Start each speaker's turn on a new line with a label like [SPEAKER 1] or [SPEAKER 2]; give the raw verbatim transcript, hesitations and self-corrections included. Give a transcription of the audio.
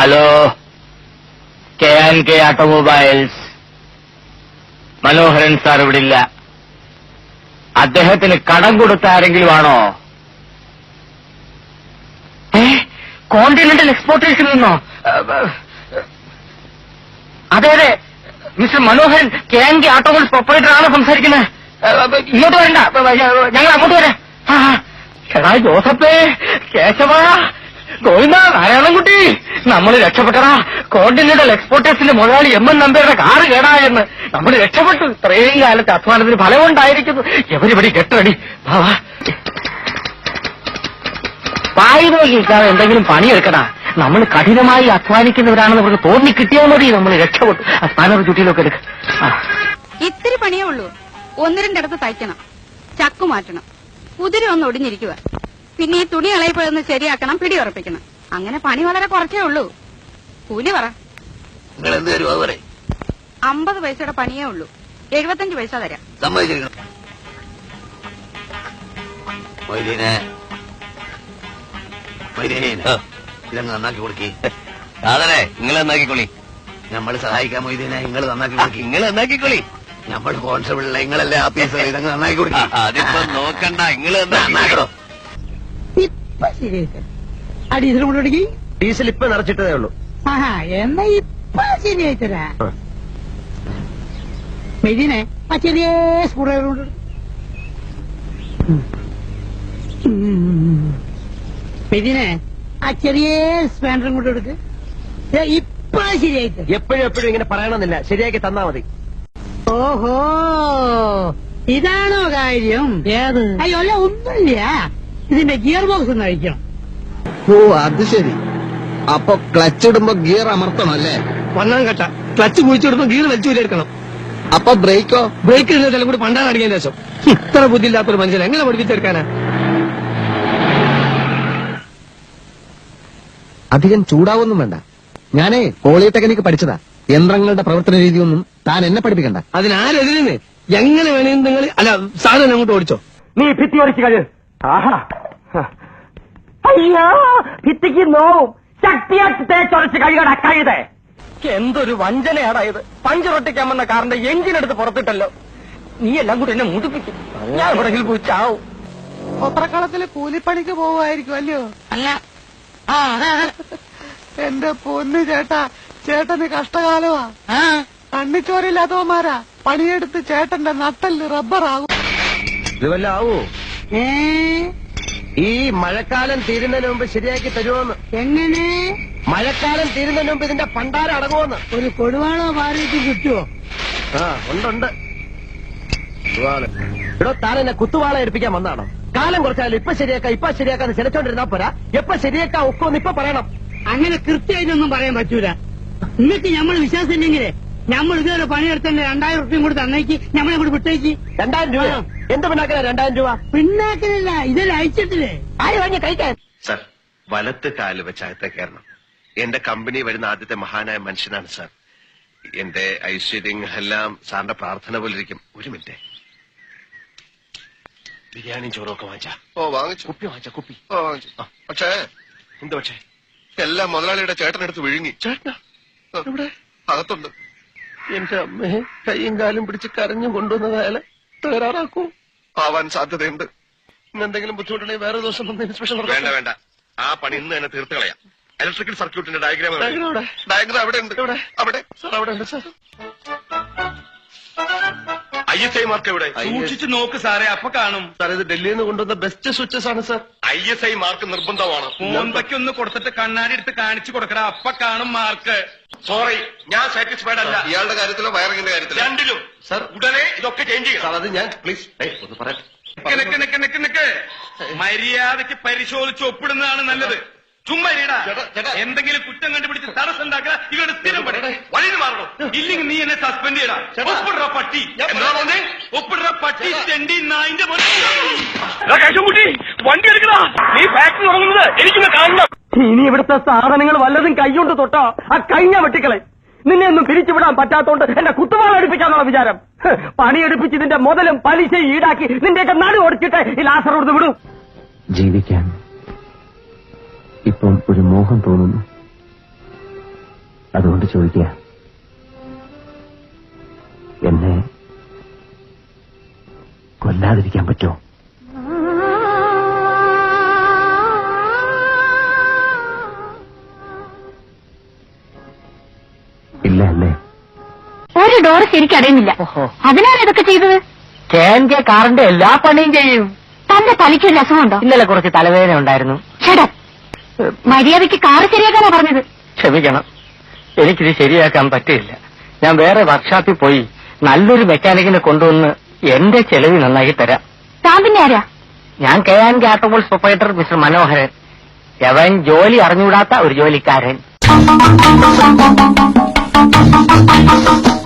[SPEAKER 1] Hello, K and K automobiles. Manoharan sir ഇവിടെ ഇല്ല. അദ്ദേഹത്തിന് കടം കൊടുത്ത ആരെങ്കിലും ആണോ? കോണ്ടിനെന്റൽ എക്സ്പോർട്ടേഴ്സിൽ നിന്നോ? അതെ അതെ, mister Manoharan K and K automobiles proprietor ആണ് സംസാരിക്കുന്നത്. ഇങ്ങോട്ട് വരണ്ട, ഞങ്ങൾ അങ്ങോട്ട് വരാം. എടാ ജോസഫേ, കേശവ, ഗോവിന്ദ, നാരായണൻകുട്ടി, നമ്മൾ രക്ഷപ്പെട്ടടാ. കോണ്ടിനെന്റൽ എക്സ്പോർട്ടേഴ്സിന്റെ മുതലാളി എം എൻ നമ്പ്യാരുടെ കാറ് കേടായെന്ന് നമ്മൾ രക്ഷപ്പെട്ടു. ഇത്രയും കാലത്തെ അധ്വാനത്തിന് ഫലമുണ്ടായിരിക്കുന്നു. എവരിപടി കെട്ടടി. പായി നോക്കിക്കാതെ എന്തെങ്കിലും പണിയെടുക്കടാ. നമ്മൾ കഠിനമായി അധ്വാനിക്കുന്നവരാണെന്ന് അവർക്ക് തോന്നി കിട്ടിയാൽ മതി. നമ്മൾ രക്ഷപ്പെട്ടു. ആ സ്ഥാനം ചുറ്റിയിലൊക്കെ എടുക്ക.
[SPEAKER 2] ഇത്തിരി പണിയേ ഉള്ളൂ. ഒന്ന് രണ്ടിടത്ത് തയ്ക്കണം, ചക്കു മാറ്റണം, കുതിര ഒന്ന് ഒടിഞ്ഞിരിക്കുക, പിന്നെ ഈ തുണി ഇളയപ്പോഴൊന്ന് ശരിയാക്കണം, പിടി ഉറപ്പിക്കണം. അങ്ങനെ പണി വളരെ കുറച്ചേ ഉള്ളൂ. കൂലി പറ. അമ്പത് പൈസയുടെ പണിയേ ഉള്ളൂ. എഴുപത്തഞ്ച് പൈസ തരാം.
[SPEAKER 3] ഇതങ്ങ് നന്നാക്കി കൊടുക്കി. സാധനെ നിങ്ങൾ നന്നാക്കിക്കൊള്ളി. നമ്മൾ സഹായിക്കാൻ മൊയ്തീനെ നിങ്ങൾ നന്നാക്കി കൊടുക്കി. നിങ്ങൾ നന്നാക്കിക്കൊള്ളി. നമ്മൾ കോൺസ്റ്റബിളിലെ നിങ്ങളല്ലേ ആഫീസർ. ഇതങ്ങ് നന്നാക്കി കൊടുക്കി. അതിപ്പോ നോക്കണ്ട, നിങ്ങൾ നന്നാക്കണോ?
[SPEAKER 4] ഡീസൽ കൊണ്ടുപിടിക്കി.
[SPEAKER 3] ഡീസൽ ഇപ്പൊ നിറച്ചിട്ടതേ ഉള്ളൂ.
[SPEAKER 4] ആഹാ, എന്നാ ഇപ്പൊ ശരിയായിത്തരാ. മെതിനെ ആ ചെറിയ സ്കൂൾ ഡ്രൈവർ മെതിനെ ആ ചെറിയ സ്പാൻഡറും കൊണ്ട് എടുക്ക്. ഇപ്പൊ ശരിയായിട്ട്.
[SPEAKER 3] എപ്പോഴും എപ്പോഴും ഇങ്ങനെ പറയണമെന്നില്ല, ശരിയാക്കി തന്നാ മതി.
[SPEAKER 4] ഓഹോ, ഇതാണോ കാര്യം? ഏത്? അയ്യോ അല്ല, ഒന്നുമില്ല. ഇതിന്റെ ഗിയർ ബോക്സ് ഒന്ന് അഴിക്കണം.
[SPEAKER 5] ഓ, അത് ശരി. അപ്പൊ ക്ലച്ച് ഇടുമ്പോ ഗിയർ അമർത്തണം അല്ലേ?
[SPEAKER 6] ഒന്നാം ഘട്ട ക്ലച്ച് കുഴിച്ചെടുത്തോ ഗിയർ വലിച്ചു വരെടുക്കണം.
[SPEAKER 5] അപ്പൊ ബ്രേക്കോ?
[SPEAKER 6] ബ്രേക്ക് ഇടുന്നതെല്ലാം കൂടി പണ്ടാണ് അടിക്കാൻ ശേഷം. ഇത്ര ബുദ്ധിയില്ലാത്തൊരു മനുഷ്യൻ എങ്ങനെ പഠിപ്പിച്ചെടുക്കാനാ?
[SPEAKER 5] അധികം ചൂടാവൊന്നും വേണ്ട. ഞാനേ പോളിടെക്നിക്ക് പഠിച്ചതാ. യന്ത്രങ്ങളുടെ പ്രവർത്തന രീതിയൊന്നും താൻ എന്നെ പഠിപ്പിക്കണ്ട.
[SPEAKER 6] അതിനാരെതിരെന്ന് എങ്ങനെ വേണേലും നിങ്ങൾ അല്ല സാധനം അങ്ങോട്ട് ഓടിച്ചോ.
[SPEAKER 1] നീ ഭിത്തി ഓടിച്ചു കഴി. ആഹാ, അയ്യോ, ഭിത്തിക്ക് നോവും. ശക്തിയാക്കി തേച്ചൊരച്ച് കഴിയടാ കഴുതേ. എന്തൊരു വഞ്ചനയാടാ ഇത്. പഞ്ചറൊട്ടിക്കാൻ വന്ന കാറിന്റെ എഞ്ചിനെടുത്ത് പുറത്തിട്ടല്ലോ. നീ എല്ലാം കൂടി എന്നെ മുടിപ്പിക്കും. ഞാൻ എവിടെങ്കിലും പോയി ചാവും.
[SPEAKER 4] പത്രക്കളത്തില് കൂലിപ്പണിക്ക് പോവായിരിക്കും അല്ലയോ?
[SPEAKER 2] അല്ല,
[SPEAKER 4] ആ, എന്റെ പൊന്ന് ചേട്ടാ, ചേട്ടന് കഷ്ടകാലമാ. കണ്ണിച്ചോരില്ലാത്തവന്മാരാ പണിയെടുത്ത് ചേട്ടന്റെ നട്ടല് റബ്ബറാകും.
[SPEAKER 3] ഇത് വല്ല ആവൂ?
[SPEAKER 4] ഏ,
[SPEAKER 3] ഈ മഴക്കാലം തീരുന്നതിന് മുമ്പ് ശരിയാക്കി തരുമോന്ന്?
[SPEAKER 4] എങ്ങനെ?
[SPEAKER 3] മഴക്കാലം തീരുന്നതിന് മുമ്പ് ഇതിന്റെ പണ്ടാരം അടങ്ങുമെന്ന്.
[SPEAKER 4] ഒരു കൊടുവാളോ ഭാര്യയ്ക്ക് കിട്ടുവോ?
[SPEAKER 3] ആ, ഉണ്ടുണ്ട്. ഇവിടെ താൻ എന്നെ കുത്തുവാള എടുപ്പിക്കാൻ വന്നാണോ? കാലം കുറച്ചാലും ഇപ്പൊ ശരിയാക്കാം ഇപ്പൊ ശരിയാക്കാന്ന് ചിലച്ചോണ്ടിരുന്നാ പോരാ. എപ്പൊ ശരിയാക്കാ ഒക്കൊന്ന് ഇപ്പൊ പറയണം.
[SPEAKER 4] അങ്ങനെ കൃത്യമായിട്ടൊന്നും പറയാൻ പറ്റൂല. നിങ്ങൾക്ക് ഞമ്മൾ വിശ്വാസം ഇല്ലെങ്കിലേ ഞമ്മൾ ഇതുവരെ പണിയെടുത്തന്നെ രണ്ടായിരം റുപ്യം കൂടി തന്നേക്ക് ഞമ്മളെ കൂടി വിട്ടേക്ക്.
[SPEAKER 3] രണ്ടായിരം രൂപ എന്ത് പിന്നാക്കല? രണ്ടായിരം രൂപ
[SPEAKER 4] പിന്നാക്കലില്ല, ഇതെല്ലാം അയച്ചിട്ടില്ലേ?
[SPEAKER 3] ആര് വാങ്ങി കഴിക്കാൻ?
[SPEAKER 7] സർ, വലത്ത് കാല് വെച്ച് അകത്തെ കയറണം. എന്റെ കമ്പനി വരുന്ന ആദ്യത്തെ മഹാനായ മനുഷ്യനാണ് സാർ. എന്റെ ഐശ്വര്യം എല്ലാം സാറിന്റെ പ്രാർത്ഥന പോലെ ഇരിക്കും. ഒരു മിനിറ്റ്. ബിരിയാണിയും ചോറൊക്കെ വാങ്ങിച്ചാ?
[SPEAKER 8] ഓ, വാങ്ങിച്ചു.
[SPEAKER 7] കുപ്പി വാങ്ങിച്ച കുപ്പി?
[SPEAKER 8] ഓ, വാങ്ങിച്ചു. പക്ഷേ
[SPEAKER 7] എന്താ പക്ഷേ?
[SPEAKER 8] എല്ലാം മുതലാളിയുടെ ചേട്ടനെടുത്ത് വിഴുങ്ങി.
[SPEAKER 7] ചേട്ടനാ?
[SPEAKER 8] ഇവിടെ അകത്തുണ്ട്.
[SPEAKER 3] എന്റെ അമ്മയെ കൈയും കാലും പിടിച്ച് കരഞ്ഞും കൊണ്ടുവന്നത് അയാളെ തകരാറാക്കൂ.
[SPEAKER 8] ആവാൻ സാധ്യതയുണ്ട്.
[SPEAKER 3] എന്തെങ്കിലും ബുദ്ധിമുട്ടുണ്ടെങ്കിൽ വേറെ ദിവസം വന്ന് ഇൻസ്പെക്ഷൻ
[SPEAKER 8] വേണ്ട വേണ്ട, ആ പണി ഇന്ന് തന്നെ തീർത്ത് കളയാം. ഇലക്ട്രിക്കൽ സർക്യൂട്ടിന്റെ ഡയഗ്രാം ഡയഗ്രാം അവിടെ ഉണ്ട്.
[SPEAKER 3] ഇവിടെ
[SPEAKER 8] അവിടെ
[SPEAKER 3] സാർ അവിടെ ഉണ്ട് sir.
[SPEAKER 8] I S I mark എവിടെ?
[SPEAKER 7] സൂക്ഷിച്ചു നോക്ക് സാറേ, അപ്പൊ കാണും.
[SPEAKER 3] സാർ ഇത് ഡൽഹിയിൽ നിന്ന് കൊണ്ടുവന്ന ബെസ്റ്റ് സ്വിച്ചസ് ആണ് സാർ.
[SPEAKER 8] ഐ എസ് ഐ മാർക്ക് നിർബന്ധമാണ്.
[SPEAKER 7] മോന്തയ്ക്ക് ഒന്ന് കൊടുത്തിട്ട് കണ്ണാടി എടുത്ത് കാണിച്ചു കൊടുക്കടാ, അപ്പൊ കാണും മാർക്ക്.
[SPEAKER 8] സോറി, ഞാൻ സാറ്റിസ്ഫൈഡ് അല്ല. ഇയാളുടെ കാര്യത്തിലോ വയറിംഗിന്റെ കാര്യത്തിലോ? രണ്ടിലും.
[SPEAKER 3] സാർ
[SPEAKER 8] ഉടനെ ഇതൊക്കെ ചേഞ്ച് ചെയ്യണം.
[SPEAKER 3] സാർ അത് ഞാൻ പ്ലീസ് ഒന്ന് പറയട്ടെ.
[SPEAKER 7] നിക്ക് നിക്ക് നിക്ക് നിക്ക് മര്യാദയ്ക്ക് പരിശോധിച്ച് ഒപ്പിടുന്നതാണ് നല്ലത്. ചുമ്മാ ഇടാ. എന്തെങ്കിലും കുറ്റം കണ്ടുപിടിച്ച് തടസ്സം ഉണ്ടാക്കുക. ഇവരുടെ സ്ഥിരം പണി. വഴിയിൽ മാറണം. ഇല്ലെങ്കിൽ നീ എന്നെ സസ്പെൻഡ് ചെയ്യടാ. ഒപ്പിടുന്ന പട്ടി. എന്താണോ ഒപ്പിടുന്ന പട്ടി ചെണ്ടി നായിന്റെ കുട്ടി വണ്ടി എടുക്കടാ. നീ ഫാക്ടറി തുടങ്ങുന്നത് എനിക്കൊന്ന് കാണണം.
[SPEAKER 1] ഇനി ഇവിടുത്തെ സാധനങ്ങൾ വല്ലതും കൈകൊണ്ട് തൊട്ടോ ആ കഴിഞ്ഞ വെട്ടിക്കളെ. നിന്നെ ഒന്നും പിരിച്ചുവിടാൻ പറ്റാത്തോണ്ട് എന്റെ കുത്തുവാള എടുപ്പിക്കാന്നുള്ള വിചാരം. പണിയെടുപ്പിച്ച് ഇതിന്റെ മുതലും പലിശയും ഈടാക്കി നിന്റെയൊക്കെ നടു ഓടിച്ചിട്ട് ഈ ലാസർ കൊടുത്ത് വിടും.
[SPEAKER 5] ജീവിക്കാൻ ഇപ്പം ഒരു മോഹം തോന്നുന്നു. അതുകൊണ്ട് ചോദിക്കുക, എന്നെ കൊല്ലാതിരിക്കാൻ പറ്റുമോ? ഇല്ല അല്ലേ?
[SPEAKER 2] ഒരു ഡോറ് ശരിക്കും അടയുന്നില്ല. അതിനാണ് ഇതൊക്കെ ചെയ്തത്.
[SPEAKER 1] കെ എൻ കെ കാറിന്റെ എല്ലാ പണിയും ചെയ്യും.
[SPEAKER 2] തന്റെ തലയ്ക്ക് ഒരു രസമുണ്ടോ?
[SPEAKER 1] ഇന്നലെ കുറച്ച് തലവേദന ഉണ്ടായിരുന്നു.
[SPEAKER 2] ചേട്ടാ, മര്യാദയ്ക്ക് കാറ് ശരിയാക്കാനാ പറഞ്ഞത്.
[SPEAKER 1] ക്ഷമിക്കണം, എനിക്കിത് ശരിയാക്കാൻ പറ്റില്ല. ഞാൻ വേറെ വർക്ക്ഷോപ്പിൽ പോയി നല്ലൊരു മെക്കാനിക്കിനെ കൊണ്ടുവന്ന് എന്റെ ചെലവ് നന്നാക്കി തരാം.
[SPEAKER 2] താൻ പിന്നെ ആരാ?
[SPEAKER 1] ഞാൻ K and K automobiles proprietor mister Manoharan. അവൻ ജോലി അറിഞ്ഞുകൂടാത്ത ഒരു ജോലിക്കാരൻ.